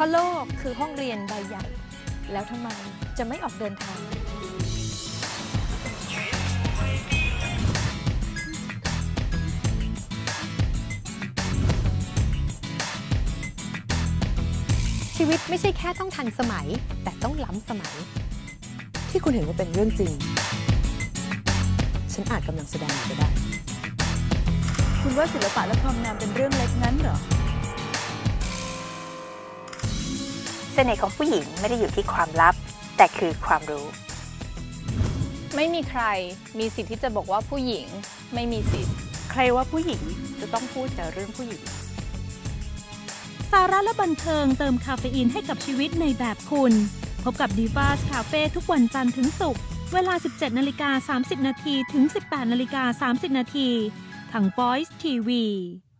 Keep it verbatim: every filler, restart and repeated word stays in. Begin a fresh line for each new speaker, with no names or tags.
ราะโลกคือห้องเรียนใบใหญ่ แล้วทำไมจะไม่ออกเดินทางชีวิตไม่ใช่แค่ต้องทันสมัยแต่ต้องล้ำสมัย
ที่คุณเห็นว่าเป็นเรื่องจริงฉันอาจกำลังแสดงอยู่ก็ได้
คุณว่าศิลปะและความงามเป็นเรื่องเล็กงั้นเหรอ
เสน่ห์ของผู้หญิงไม่ได้อยู่ที่ความลับแต่คือความรู้
ไม่มีใครมีสิทธิ์ที่จะบอกว่าผู้หญิงไม่มีสิทธิ์
ใครว่าผู้หญิงจะต้องพูดแต่เรื่องผู้หญิง
สาระและบันเทิงเติมคาเฟอีนให้กับชีวิตในแบบคุณ พบกับ Divas Cafe ทุกวันจันทร์ถึงศุกร์เวลา สิบเจ็ดนาฬิกาสามสิบนาทีถึง สิบแปดนาฬิกาสามสิบนาทีทาง Voice ที วี